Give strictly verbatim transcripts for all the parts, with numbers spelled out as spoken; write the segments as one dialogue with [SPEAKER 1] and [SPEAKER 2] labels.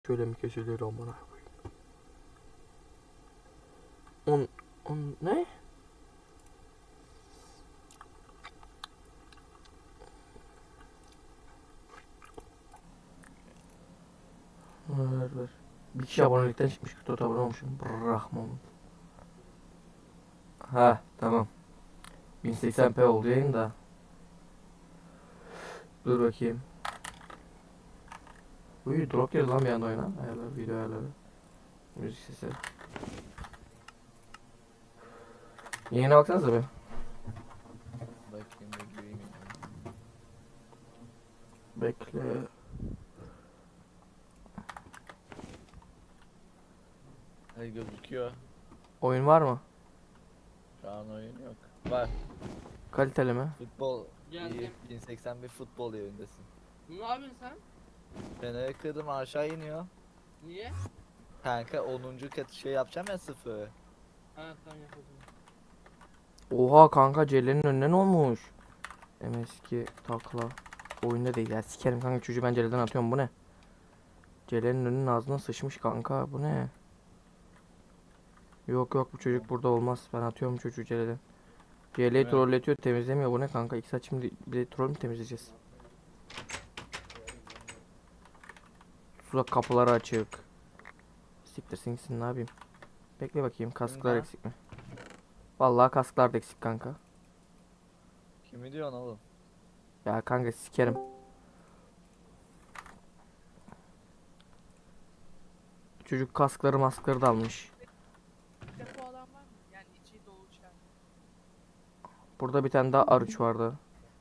[SPEAKER 1] Şöyle mi kesilir amına koyayım? On, on ne? Ver ver. Bir kişi abonelikten çıkmış. kırk dört abone olmuşum. Bırakmam. Ha tamam. bin seksen p oldu yayın da. Dur bakayım. Uy drop girdi lan bir anda oyuna. Ayarlar, video ayarları. Müzik sesi. Yayına baksanıza be.
[SPEAKER 2] Bakayım bir gireyim ya.
[SPEAKER 1] Bekle.
[SPEAKER 2] Hadi gözüküyor.
[SPEAKER 1] Oyun var mı?
[SPEAKER 2] Şu an oyun yok. Var.
[SPEAKER 1] Kaliteli mi?
[SPEAKER 2] Futbol.
[SPEAKER 3] Geldim.
[SPEAKER 2] İyi. bin seksen bir futbol yerindesin.
[SPEAKER 3] Ne yapıyorsun sen?
[SPEAKER 2] Feneri kırdım aşağı iniyor.
[SPEAKER 3] Niye?
[SPEAKER 2] Kanka onuncu katı şey yapacağım ya sıfır.
[SPEAKER 3] Ha tamam yapalım.
[SPEAKER 1] Oha kanka Celle'nin önüne ne olmuş? M S iki takla. Oyunda değil ya, sikerim kanka, çocuğu ben Celle'den atıyorum, bu ne? Celle'nin önünün ağzına sıçmış kanka, bu ne? Yok yok, bu çocuk burada olmaz, ben atıyorum çocuğu Celle'den. Celle'yi
[SPEAKER 2] Evet.
[SPEAKER 1] trolletiyor, temizlemiyor, bu ne kanka? İlk saat şimdi bir de troll mü temizleyeceğiz? Tuzak kapıları açık. Siktirsin gitsin, ne yapayım? Bekle bakayım, kasklar
[SPEAKER 2] Kimden?
[SPEAKER 1] eksik mi? Vallahi kasklar da eksik kanka.
[SPEAKER 2] Kimi diyorsun oğlum?
[SPEAKER 1] Ya kanka sikerim. Çocuk kaskları maskları da almış.
[SPEAKER 4] Depo alan var mı? Yani içi dolu çay.
[SPEAKER 1] Burada bir tane daha arıç vardı.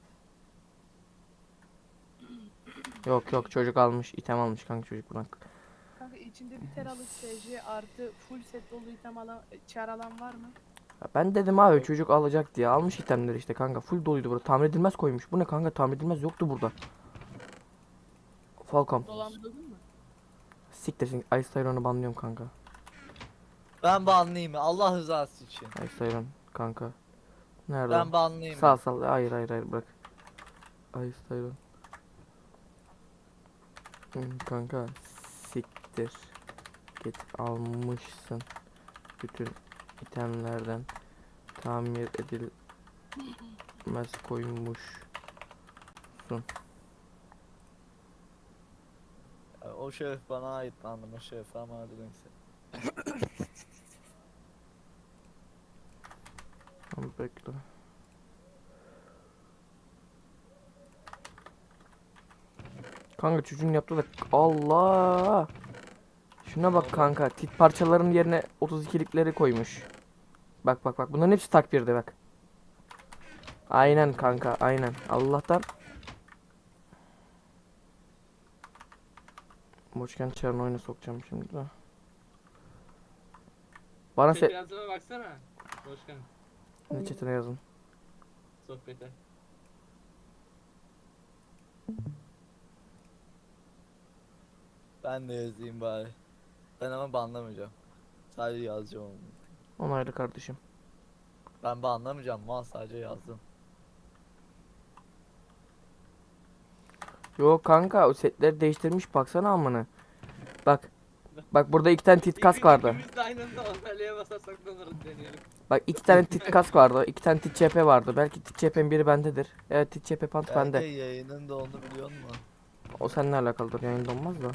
[SPEAKER 1] Yok yok, çocuk almış, item almış kanka çocuk bırak.
[SPEAKER 4] Kanka içinde bir teralık S J artı full set dolu item alan, çar alan var mı?
[SPEAKER 1] Ya ben dedim abi çocuk alacak diye almış itemleri işte kanka, full doluydu burada, tamir edilmez koymuş. Bu ne kanka, tamir edilmez yoktu burada. Falcon.
[SPEAKER 4] Dolandırdın mı?
[SPEAKER 1] Siktirsin, Ice Tyron'u banlıyorum kanka.
[SPEAKER 2] Ben banlayayım mı? Allah rızası için.
[SPEAKER 1] Ice Tyron kanka. Nerede
[SPEAKER 2] Ben
[SPEAKER 1] o?
[SPEAKER 2] banlayayım
[SPEAKER 1] Sağ
[SPEAKER 2] mı?
[SPEAKER 1] sal, hayır hayır hayır, bırak. Ice Tyron. Hmm, kanka siktir. Git, almışsın bütün itemlerden tamir edilmez koymuşsun.
[SPEAKER 2] Ya, o şeref bana ait bandım o şeref ama hadi neyse.
[SPEAKER 1] Tamam, bekle. Kanka çocuğun yaptığı da Allah. Şuna bak kanka, tit parçaların yerine otuz ikilikleri koymuş. Bak bak bak, bunların hepsi tak birde bak. Aynen kanka, aynen. Allah'tan Boşken çarını oyuna sokacağım şimdi de. Bana
[SPEAKER 3] Sohbete
[SPEAKER 1] se...
[SPEAKER 3] yazıma baksana. Başkan.
[SPEAKER 1] Ne chatine yazın.
[SPEAKER 3] Sohbete.
[SPEAKER 2] Ben de yazayım bari. Ben ama banlamayacağım. Sadece yazacağım onu.
[SPEAKER 1] Onaylı kardeşim.
[SPEAKER 2] Ben banlamayacağım mal sadece yazdım.
[SPEAKER 1] Yok kanka, o setleri değiştirmiş, baksana amına. Bak. Bak burada iki tane tit kask vardı.
[SPEAKER 3] İkimiz de aynı anda onaylıya basarsak ne olur deneyelim.
[SPEAKER 1] Bak iki tane tit kask vardı. iki tane tit C P vardı. Belki tit C P'nin biri bendedir. Evet, tit C P pant
[SPEAKER 2] Belki
[SPEAKER 1] bende.
[SPEAKER 2] yayının da onu biliyor musun?
[SPEAKER 1] O seninle alakalıdır, yayında olmaz da.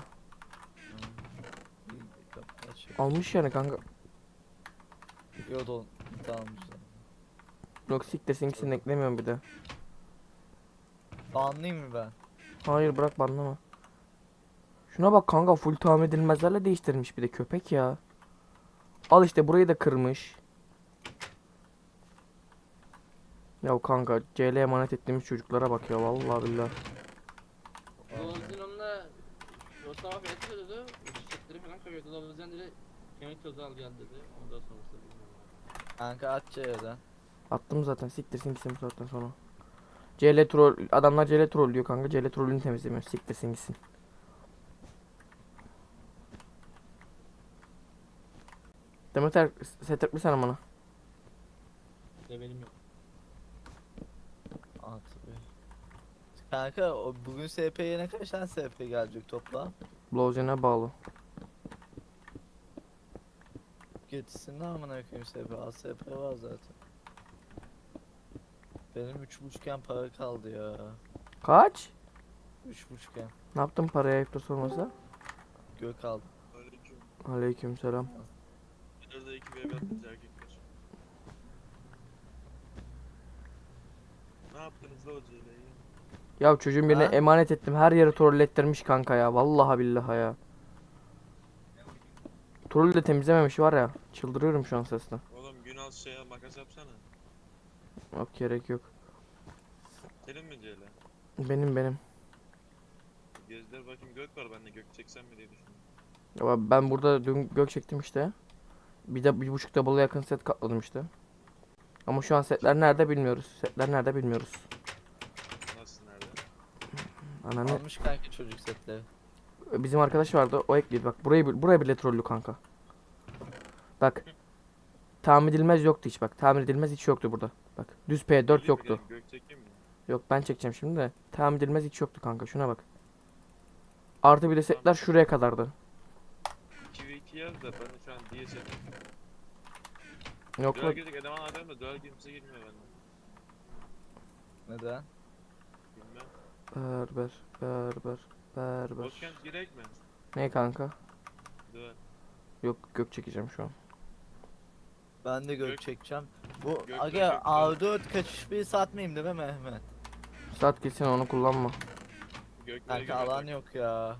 [SPEAKER 2] İyi, kapı açıyor.
[SPEAKER 1] Almış yani kanka.
[SPEAKER 2] Yok don tamam güzel.
[SPEAKER 1] Yok siktirsin, ikisini eklemiyorum bir de.
[SPEAKER 2] Banlayayım mı ben?
[SPEAKER 1] Hayır, bırak banlama. Şuna bak kanka, full tamir edilmezlerle değiştirmiş bir de köpek ya. Al işte, burayı da kırmış. Ya kanka, C L'ye emanet ettiğimiz çocuklara bak ya, vallahi billahi.
[SPEAKER 3] Dolabızın onunla o sabah beni söyledi. Çiçekleri falan koyuyordu. Dolabızın dedi kemik tozu al gel dedi. Ondan sonrası bilmiyorum.
[SPEAKER 2] Kanka aç C'den.
[SPEAKER 1] Attım zaten, siktirsin gitsin bu saatten sonra. C L troll, adamlar C L troll diyor kanka, C L trollünü temizlemiyor, siktirsin gitsin. Demeter set mi sen bana?
[SPEAKER 3] De benim yok.
[SPEAKER 2] At be. Kanka o bugün S P'ye ne kaç tane S P gelecek toplam?
[SPEAKER 1] Blowzen'e bağlı.
[SPEAKER 2] Getirsin de amına koyayım S P. Az S P var zaten. Benim üç buçukken para kaldı ya.
[SPEAKER 1] Kaç?
[SPEAKER 2] Üç buçukken.
[SPEAKER 1] Ne yaptın paraya ayıptır sormasa?
[SPEAKER 2] Gök aldım.
[SPEAKER 5] Aleyküm.
[SPEAKER 1] Aleykümselam.
[SPEAKER 5] Nerede iki bebe atınca erkekler. Ne yaptınız la hocayla ya?
[SPEAKER 1] Ya çocuğun birine
[SPEAKER 2] Ha?
[SPEAKER 1] emanet ettim. Her yere trollettirmiş kanka ya. Vallahi billahi ya. Troll de temizlememiş var ya. Çıldırıyorum şu an sesten.
[SPEAKER 5] Oğlum Günal şeye makas yapsana.
[SPEAKER 1] Yok gerek yok.
[SPEAKER 5] Senin mi Ceyla?
[SPEAKER 1] Benim benim.
[SPEAKER 5] Gözler bakayım gök var bende gök çeksem mi diye düşündüm.
[SPEAKER 1] Ya ben burada dün gök çektim işte. Bir de bir buçuk double'a yakın set katladım işte. Ama şu an setler nerede bilmiyoruz. Setler nerede bilmiyoruz.
[SPEAKER 5] Nasıl nerede?
[SPEAKER 1] Ananı.
[SPEAKER 2] Almış kanka çocuk setleri.
[SPEAKER 1] Bizim arkadaş vardı o ekledi bak burayı bi- buraya bile trollü kanka. Bak. Tahmin edilmez yoktu hiç bak. Tahmin edilmez hiç yoktu burada. Bak düz P dört
[SPEAKER 5] Öyle mi?
[SPEAKER 1] yoktu.
[SPEAKER 5] Yani Gök çekeyim mi?
[SPEAKER 1] Yok ben çekeceğim şimdi de. Tahmin edilmez hiç yoktu kanka şuna bak. Artı bir de setler şuraya kadardı.
[SPEAKER 5] iki ve iki yaz da ben de şu an diye setim.
[SPEAKER 1] Yok
[SPEAKER 5] Duel
[SPEAKER 1] lan.
[SPEAKER 5] girecek eleman adam da duel kimse girmiyor bende.
[SPEAKER 2] Neden?
[SPEAKER 5] Bilmem.
[SPEAKER 1] Berber berber berber.
[SPEAKER 5] Boşkent girek mi?
[SPEAKER 1] Ne kanka?
[SPEAKER 5] Duel.
[SPEAKER 1] Yok gök çekeceğim şu an.
[SPEAKER 2] Ben de gök
[SPEAKER 5] Gök-
[SPEAKER 2] çekeceğim. Bu
[SPEAKER 5] Gök-
[SPEAKER 2] aga
[SPEAKER 5] gök-
[SPEAKER 2] A dört kaçış bir satmayayım değil mi Mehmet?
[SPEAKER 1] Saat gitsin onu kullanma.
[SPEAKER 5] Göklere
[SPEAKER 2] Kanka alan
[SPEAKER 5] göre
[SPEAKER 2] yok ya.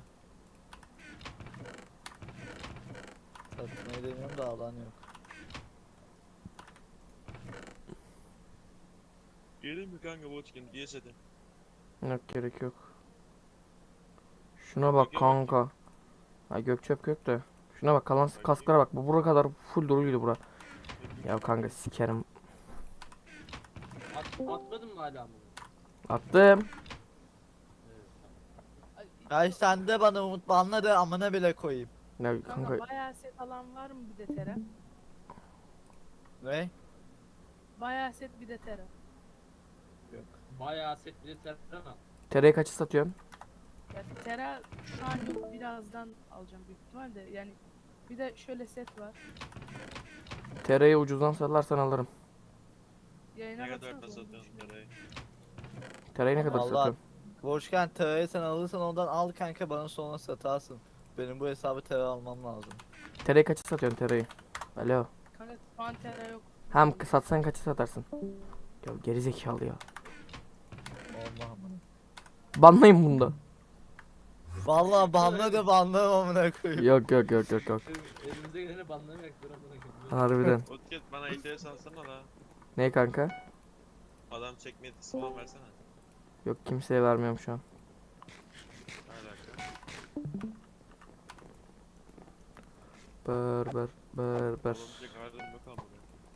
[SPEAKER 2] Satmayı demiyorum da alan yok.
[SPEAKER 5] Gelin mi kanka Boşkent diye setim.
[SPEAKER 1] Yok gerek yok. Şuna bak
[SPEAKER 5] Göke
[SPEAKER 1] kanka. Ha gök çöp gök de. Şuna bak kalan kasklara bak. Bu bura kadar full doluydu bura. Ya kanka sikerim.
[SPEAKER 3] At, atmadın mı hala bunu?
[SPEAKER 1] Attım.
[SPEAKER 2] Ay sen de bana Umut banla da amına bile koyayım.
[SPEAKER 1] Ya
[SPEAKER 4] Kanka
[SPEAKER 1] kanka
[SPEAKER 4] bayağı set alan var mı bir de Tera?
[SPEAKER 2] Ne?
[SPEAKER 4] Bayağı set bir de Tera.
[SPEAKER 2] Yok.
[SPEAKER 3] Bayağı set bir de terör ama.
[SPEAKER 1] tereyi kaçı satıyorsun?
[SPEAKER 4] Ya Tera şu an yok, birazdan alacağım büyük ihtimalle. Yani bir de şöyle set var.
[SPEAKER 1] Tereyi ucuzdan satarsan alırım.
[SPEAKER 4] Yayına
[SPEAKER 5] Ne kadar da
[SPEAKER 4] baksanıza onun
[SPEAKER 5] satıyorsun
[SPEAKER 4] için.
[SPEAKER 5] parayı?
[SPEAKER 1] Tereyi ne kadar
[SPEAKER 2] Vallahi-
[SPEAKER 1] satıyorsun?
[SPEAKER 2] Boşken terayı sen alırsan ondan al kanka bana sonra satarsın. Benim bu hesabı tera almam lazım.
[SPEAKER 1] Tereyi kaçı satıyorsun tereyi? Alo.
[SPEAKER 4] Kanka şu an Tera yok.
[SPEAKER 1] Hem satsan kaçı satarsın? Ya gerizekalı ya.
[SPEAKER 2] Allah amına.
[SPEAKER 1] Banlayın bunda.
[SPEAKER 2] Vallahi banla da banla amına koyayım.
[SPEAKER 1] Yok yok yok yok yok.
[SPEAKER 3] Elim- Elimize geleni banlamayak dur amına koyayım.
[SPEAKER 1] Harbiden.
[SPEAKER 5] Boşkent bana ihtiyaç alsana la.
[SPEAKER 1] Ne kanka?
[SPEAKER 5] Adam çekme etkisi falan versene.
[SPEAKER 1] Yok kimseye vermiyorum şu an.
[SPEAKER 5] Ne alaka?
[SPEAKER 1] Berber berber.
[SPEAKER 5] Olabilecek halim yok ama.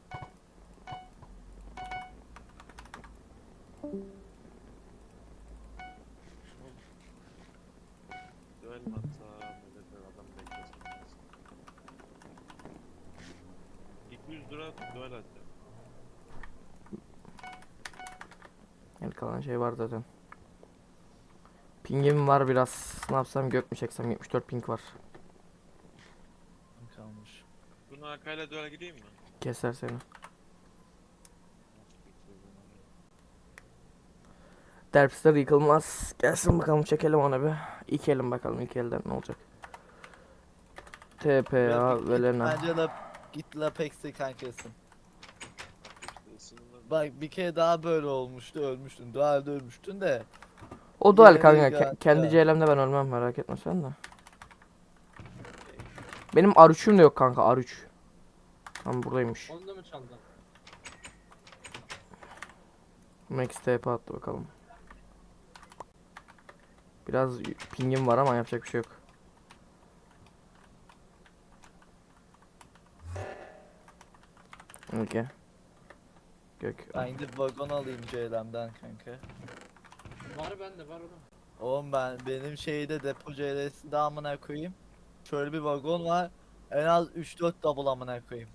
[SPEAKER 5] Duel mi atsam? Millet adam beklesin. iki yüz lira duel atacağım.
[SPEAKER 1] Yani kalan şey var zaten. Pingim var biraz. Ne yapsam gök mü çeksem? yetmiş dört ping var.
[SPEAKER 2] Kalmış.
[SPEAKER 5] Bunu Akay'la duel gideyim mi?
[SPEAKER 1] Keser seni. Derpster yıkılmaz. Gelsin bakalım çekelim onu bir. İlk elim bakalım ilk elden ne olacak. T P
[SPEAKER 2] Ya
[SPEAKER 1] A
[SPEAKER 2] git- git
[SPEAKER 1] Velena.
[SPEAKER 2] Bence la git la Pex'i kankasın.
[SPEAKER 5] İşte ısınma-
[SPEAKER 2] Bak bir kere daha böyle olmuştu ölmüştün. Dualde ölmüştün de.
[SPEAKER 1] O dual
[SPEAKER 2] Yine
[SPEAKER 1] kanka.
[SPEAKER 2] bir
[SPEAKER 1] Ke-
[SPEAKER 2] ya-
[SPEAKER 1] kendi
[SPEAKER 2] ya.
[SPEAKER 1] C L'mde ben ölmem merak etme sen de. Benim R üç'üm de yok kanka R üç. Tam buradaymış.
[SPEAKER 3] Onu da mı çaldın?
[SPEAKER 1] Max T P attı bakalım. Biraz pingim var ama yapacak bir şey yok. Okey. Gök.
[SPEAKER 2] Ben gidip vagon alayım C L'den kanka.
[SPEAKER 3] Var bende var oğlum.
[SPEAKER 2] Oğlum ben benim şeyde depo C L'sinde amına koyayım. Şöyle bir vagon var. En az üç dört double amına koyayım.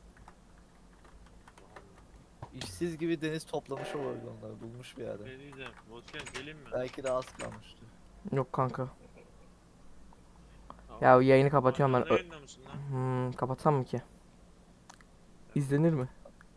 [SPEAKER 2] İşsiz gibi deniz toplamış o vagonları bulmuş bir yerde.
[SPEAKER 5] Ne diyeceğim? Boşkent gelin mi?
[SPEAKER 2] Belki de az kalmıştı.
[SPEAKER 1] Yok kanka.
[SPEAKER 5] Tamam.
[SPEAKER 1] Ya yayını kapatıyorum ben.
[SPEAKER 5] Hala
[SPEAKER 1] Ö-
[SPEAKER 5] yayında mısın lan?
[SPEAKER 1] Hmm, kapatsam mı ki? İzlenir mi?